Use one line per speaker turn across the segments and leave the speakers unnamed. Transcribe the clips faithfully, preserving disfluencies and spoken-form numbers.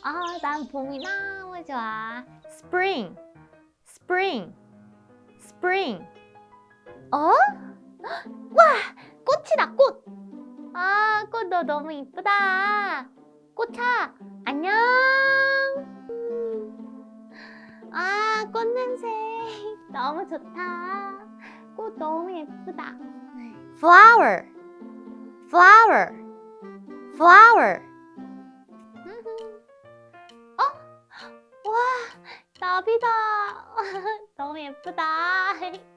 아, 난 봄이 너무 좋아. Spring, spring, spring. 어? 와, 꽃이다, 꽃. 아, 꽃 너 너무 이쁘다. 꽃아, 안녕. 아, 꽃 냄새 너무 좋다. 꽃 너무 예쁘다. Flower, flower, flower. 어? 와, 나비다. 너무 예쁘다.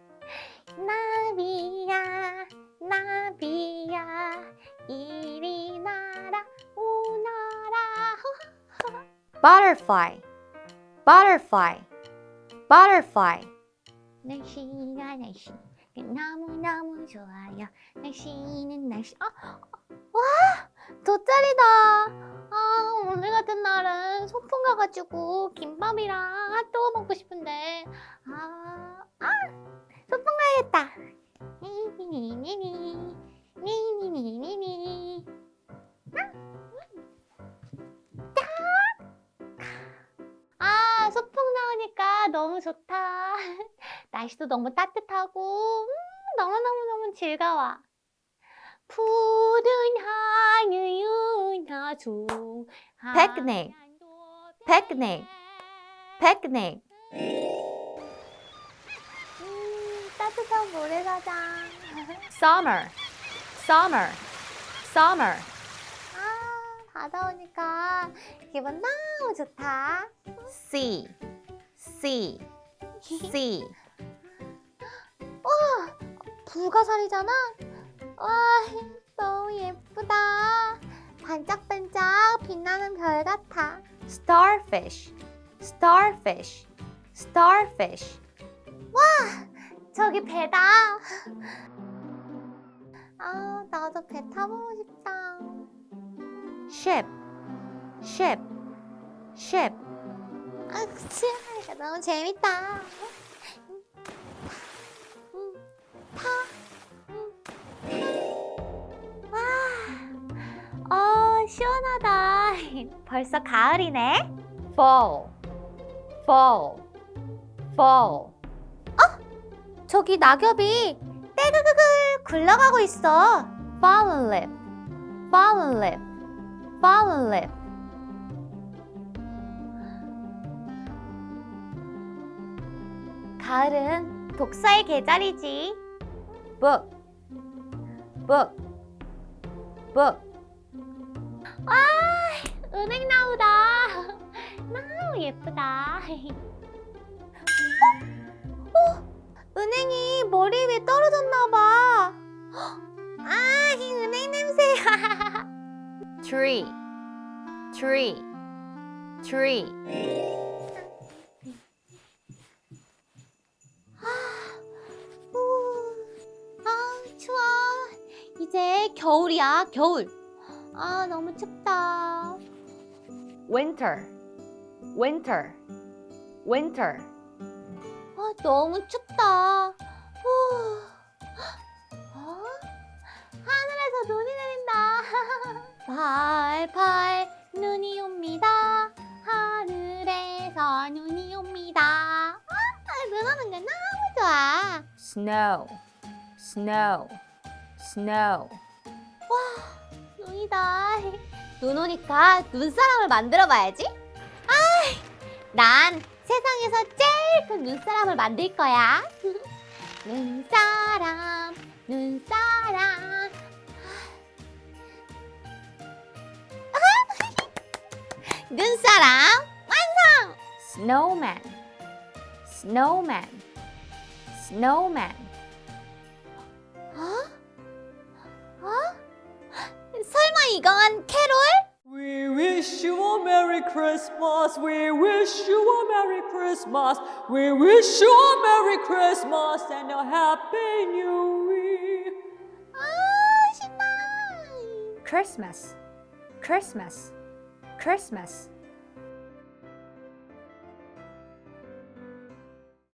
나비야, 나비야, 이리 나라, 오너라. Butterfly, butterfly, butterfly. 날씨가 날씨 너무너무 좋아요. 날씨는 날씨. 아, 와, 돗자리다. 아, 오늘 같은 날은 소풍 가가지고 김밥이랑 핫도그 먹고 싶은데. 아, 아, 소풍 가야겠다. 니니니니니, 니니니니니. 아, 소풍 나오니까 너무 좋다. 날씨도 너무 따뜻하고 음, 너무너무너무 즐거워. 푸른 하늘 나줘. Picnic, picnic, picnic. 음, 따뜻한 모래사장. Summer, summer, summer. 아, 바다 오니까 기분 너무 좋다. Sea, sea, sea. 와, 불가사리잖아. 와, 너무 예쁘다. 반짝반짝 빛나는 별 같아. Starfish, starfish, starfish. 와, 저기 배다. 아, 나도 배 타보고 싶다. Ship, ship, ship. 아, 그치? 너무 재밌다. 와, 어, 시원하다. 벌써 가을이네. Fall, fall, fall. 어? 저기 낙엽이 떼그그글 굴러가고 있어. Fallen leaf, fallen leaf, fallen leaf. 가을은 독서의 계절이지. Book, book, book. 와, 은행나무다. 너무 예쁘다. 어? 어? 은행이 머리 위에 떨어졌나봐. 아, 이 은행 냄새. Tree, tree, tree. 이제 겨울이야, 겨울. 아, 너무 춥다. Winter, winter, winter. 아, 너무 춥다. 후. 어? 하늘에서 눈이 내린다. 팔팔 눈이 옵니다. 하늘에서 눈이 옵니다. 아, 눈 오는 게 너무 좋아. Snow, snow. Snow. 와, 눈이다. 눈 오니까 눈사람을 만들어 봐야지. 아, 난 세상에서 제일 큰 눈사람을 만들 거야. 눈사람, 눈사람. 눈사람 완성! Snowman, snowman, snowman. 어? 어? 설마 이건 캐롤?
We wish you a Merry Christmas. We wish you a Merry Christmas. We wish you a Merry Christmas and a Happy New Year.
아, 신나.
Christmas, Christmas, Christmas.